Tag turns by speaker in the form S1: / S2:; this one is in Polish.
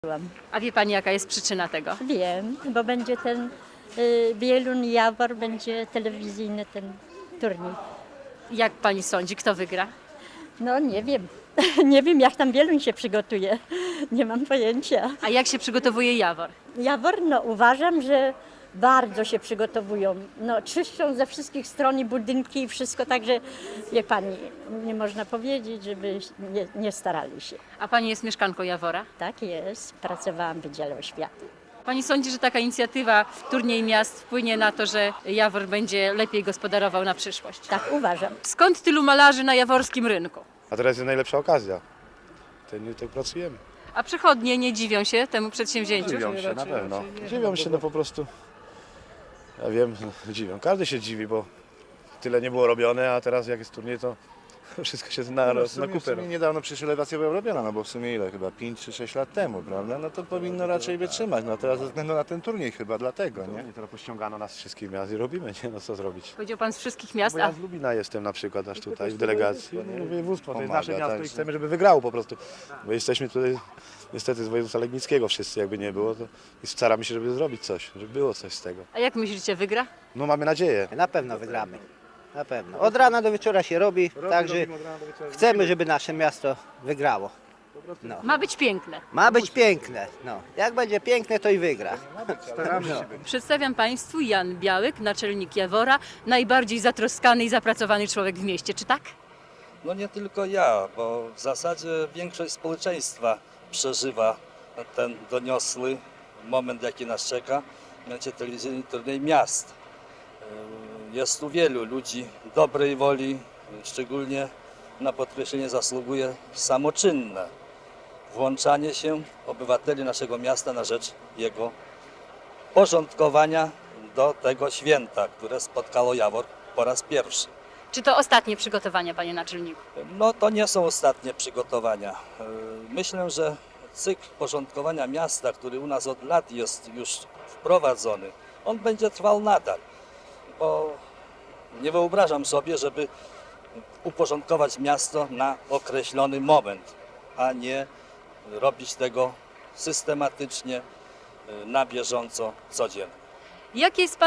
S1: A wie pani, jaka jest przyczyna tego?
S2: Wiem, bo będzie ten Wieluń Jawor, będzie telewizyjny ten turniej.
S1: Jak pani sądzi, kto wygra?
S2: No nie wiem, nie wiem jak tam Wieluń się przygotuje, nie mam pojęcia.
S1: A jak się przygotowuje Jawor?
S2: Jawor, no uważam, że bardzo się przygotowują. No czyszczą ze wszystkich stron i budynki i wszystko, także wie pani, nie można powiedzieć, żeby nie starali się.
S1: A pani jest mieszkanką Jawora?
S2: Tak jest, pracowałam w Wydziale Oświaty.
S1: Pani sądzi, że taka inicjatywa Turniej Miast wpłynie na to, że Jawor będzie lepiej gospodarował na przyszłość?
S2: Tak uważam.
S1: Skąd tylu malarzy na jaworskim rynku?
S3: A teraz jest najlepsza okazja. Tak pracujemy.
S1: A przychodnie nie dziwią się temu przedsięwzięciu?
S3: Dziwią się na pewno. Dziwią się, no po prostu. Ja wiem, dziwią. Każdy się dziwi, bo tyle nie było robione, a teraz jak jest turniej, to wszystko się na
S4: W sumie niedawno przecież elewacja była robiona, no bo w sumie ile? Chyba 5 czy 6 lat temu, prawda? No to powinno raczej wytrzymać. No teraz ze względu na ten turniej chyba, dlatego, nie?
S3: Nie, teraz pościągano nas wszystkich miast i robimy, nie? No co zrobić?
S1: Powiedział pan z wszystkich miast,
S3: Bo ja
S1: a
S3: z Lubina jestem na przykład aż tutaj w delegacji. No, województwo, to jest
S4: Pomaga,
S3: nasze miasto
S4: tak,
S3: i chcemy, żeby wygrało po prostu. Bo jesteśmy tutaj niestety z województwa legnickiego wszyscy, jakby nie było. To i staramy się, żeby zrobić coś, żeby było coś z tego.
S1: jak myślicie, wygra?
S3: No mamy nadzieję.
S5: Na pewno wygramy. Na pewno. Od rana do wieczora się robi, także chcemy, żeby nasze miasto wygrało. No.
S1: Ma być piękne.
S5: Ma być piękne. No. Jak będzie piękne, to i wygra.
S1: Przedstawiam Państwu Jan Białyk, naczelnik Jawora, najbardziej zatroskany i zapracowany człowiek w mieście. Czy tak?
S6: No nie tylko ja, bo w zasadzie większość społeczeństwa przeżywa ten doniosły moment, jaki nas czeka, mianowicie telewizyjny turniej miast. Jest tu wielu ludzi dobrej woli, szczególnie na podkreślenie zasługuje samoczynne włączanie się obywateli naszego miasta na rzecz jego porządkowania do tego święta, które spotkało Jawor po raz pierwszy.
S1: Czy to ostatnie przygotowania, panie naczelniku?
S6: No to nie są ostatnie przygotowania. Myślę, że cykl porządkowania miasta, który u nas od lat jest już wprowadzony, on będzie trwał nadal, bo nie wyobrażam sobie, żeby uporządkować miasto na określony moment, a nie robić tego systematycznie, na bieżąco, codziennie.
S1: Jakie jest